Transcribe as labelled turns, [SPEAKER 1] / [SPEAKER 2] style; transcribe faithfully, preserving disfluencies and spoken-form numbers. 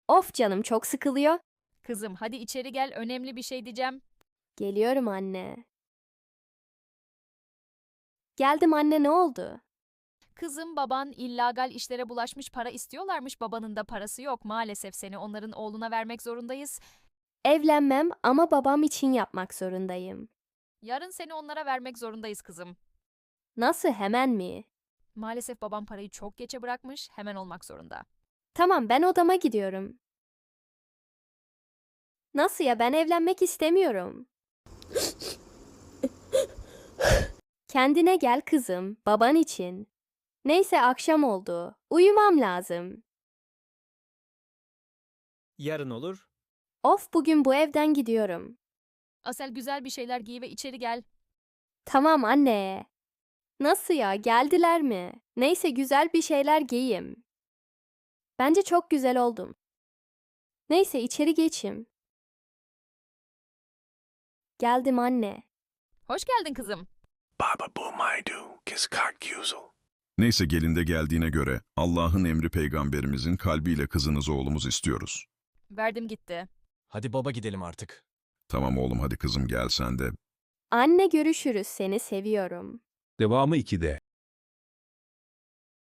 [SPEAKER 1] Of canım çok sıkılıyor.
[SPEAKER 2] Kızım hadi içeri gel, önemli bir şey diyeceğim.
[SPEAKER 1] Geliyorum anne. Geldim anne, ne oldu?
[SPEAKER 2] Kızım baban illegal işlere bulaşmış, para istiyorlarmış, babanın da parası yok. Maalesef seni onların oğluna vermek zorundayız.
[SPEAKER 1] Evlenmem ama babam için yapmak zorundayım.
[SPEAKER 2] Yarın seni onlara vermek zorundayız kızım.
[SPEAKER 1] Nasıl, hemen mi?
[SPEAKER 2] Maalesef babam parayı çok geçe bırakmış, hemen olmak zorunda.
[SPEAKER 1] Tamam, ben odama gidiyorum. Nasıl ya, ben evlenmek istemiyorum. Kendine gel kızım, baban için. Neyse, akşam oldu. Uyumam lazım.
[SPEAKER 3] Yarın olur.
[SPEAKER 1] Of, bugün bu evden gidiyorum.
[SPEAKER 2] Asel güzel bir şeyler giy ve içeri gel.
[SPEAKER 1] Tamam anne. Nasıl ya, geldiler mi? Neyse, güzel bir şeyler giyeyim. Bence çok güzel oldum. Neyse, içeri geçeyim. Geldim anne.
[SPEAKER 2] Hoş geldin kızım.
[SPEAKER 4] Baba bu maydu kıskart güzel.
[SPEAKER 5] Neyse gelinde geldiğine göre Allah'ın emri peygamberimizin kalbiyle kızınız oğlumuz istiyoruz.
[SPEAKER 2] Verdim gitti.
[SPEAKER 3] Hadi baba gidelim artık.
[SPEAKER 5] Tamam oğlum, hadi kızım gel sen de.
[SPEAKER 1] Anne, görüşürüz, seni seviyorum.
[SPEAKER 6] Devamı ikide.